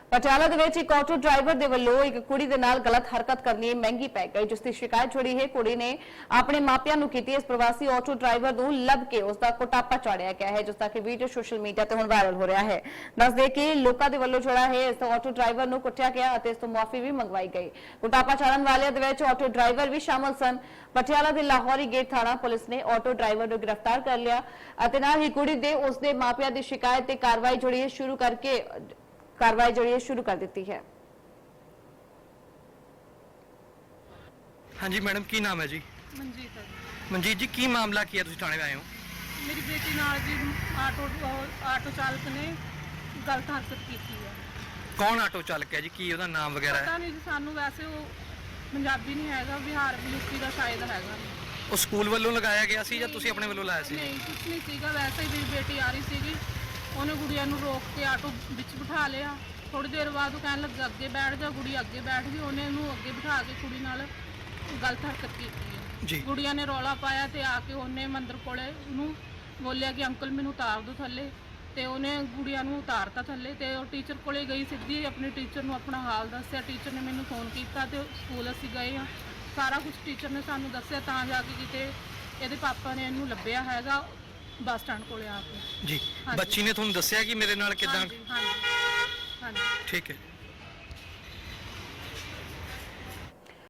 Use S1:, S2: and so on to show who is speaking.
S1: ਪਟਿਆਲਾ ਦੇ ਵਿੱਚ ਇੱਕ ਆਟੋ ਡਰਾਈਵਰ ਦੇ ਵੱਲੋਂ ਇੱਕ ਕੁੜੀ ਦੇ ਨਾਲ ਗਲਤ ਹਰਕਤ ਕਰਨੀ ਮਹਿੰਗੀ ਪੈ ਗਈ, ਜਿਸ ਦੀ ਸ਼ਿਕਾਇਤ ਜੁੜੀ ਹੈ। ਕੁੜੀ ਨੇ ਆਪਣੇ ਮਾਪਿਆਂ ਨੂੰ ਕੀਤੀ। ਇਸ ਪ੍ਰਵਾਸੀ ਆਟੋ ਡਰਾਈਵਰ ਨੂੰ ਲੱਭ ਕੇ ਉਸ ਦਾ ਕੁਟਾਪਾ ਚਾੜਿਆ ਗਿਆ ਹੈ, ਜਿਸ ਦਾ ਕਿ ਵੀਡੀਓ ਸੋਸ਼ਲ ਮੀਡੀਆ ਤੇ ਹੁਣ ਵਾਇਰਲ ਹੋ ਰਿਹਾ ਹੈ। ਦੱਸ ਦੇ ਕਿ ਲੋਕਾਂ ਦੇ ਵੱਲੋਂ ਜਿਹੜਾ ਹੈ ਇਸ ਆਟੋ ਡਰਾਈਵਰ ਨੂੰ ਕੁੱਟਿਆ ਗਿਆ ਅਤੇ ਇਸ ਤੋਂ ਮੁਆਫੀ ਵੀ ਮੰਗਵਾਈ ਗਈ। ਕੁਟਾਪਾ ਚਾੜਨ ਵਾਲਿਆਂ ਦੇ ਵਿੱਚ ਆਟੋ ਡਰਾਈਵਰ ਵੀ ਸ਼ਾਮਲ ਸਨ। ਪਟਿਆਲਾ ਦੇ ਲਾਹੌਰੀ ਗੇਟ ਥਾਣਾ ਪੁਲਿਸ ਨੇ ਆਟੋ ਡਰਾਈਵਰ ਨੂੰ ਗ੍ਰਿਫਤਾਰ ਕਰ ਲਿਆ ਅਤੇ ਨਾਲ ਹੀ ਕੁੜੀ ਦੇ ਉਸਦੇ ਮਾਪਿਆਂ ਦੀ ਸ਼ਿਕਾਇਤ ਤੇ ਕਾਰਵਾਈ ਜਿਹੜੀ ਹੈ ਸ਼ੁਰੂ ਕਰ ਦਿੱਤੀ है।
S2: हाँ जी मैडम, की नाम है जी?
S3: मनजीत है।
S2: मनजीत जी, की मामला किया तुसीं थाणे आए हो?
S3: मेरी बेटी नाल जी आटो चालक ने गलत हरकत की है।
S2: कौन आटो चालक है जी? की उहदा नाम वगैरह
S3: पता
S2: है?
S3: नहीं जी, सानू वैसे वो पंजाबी नहीं हैगा, बिहार यूपी का शायद हैगा।
S2: ਉਹ ਸਕੂਲ ਵੱਲੋਂ ਲਗਾਇਆ ਗਿਆ ਸੀ ਜਾਂ ਤੁਸੀਂ ਆਪਣੇ ਵੱਲੋਂ ਲਾਇਆ ਸੀ?
S3: नहीं कुछ नहीं सीगा, वैसे ही मेरी बेटी आ रही सीगी, उन्हें गुड़िया नू रोक के आटो विच बिठा लिया। थोड़ी देर बाद वो कहने लगे अगे बैठ जा, गुड़ी अगे बैठ गई। उन्हें नू अगे बिठा के कुड़ी नाल गलत हरकत की
S2: जी।
S3: गुड़िया ने रौला पाया ते आके उन्हें मंदिर कोले नू बोलिया कि अंकल मैनू उतार दो थले, ते उन्हें गुड़िया नू उतारता थले। ते टीचर कोले गई सीधी, अपने टीचर नू अपना हाल दस्सिया। टीचर ने मैनू फोन किया ते स्कूल असीं गए हाँ, सारा कुछ टीचर ने सानू दस्सिया, तां जाके किते ਇਹਦੇ ਪਾਪਾ ਨੇ ਇਹਨੂੰ ਲੱਭਿਆ ਹੈਗਾ ਬੱਸ ਸਟੈਂਡ ਕੋਲੇ ਆ ਕੇ।
S2: ਜੀ, ਬੱਚੀ ਨੇ ਤੁਹਾਨੂੰ ਦੱਸਿਆ ਕਿ ਮੇਰੇ ਨਾਲ ਕਿਦਾਂ?
S3: ਹਾਂਜੀ ਹਾਂਜੀ।
S2: ਠੀਕ ਹੈ।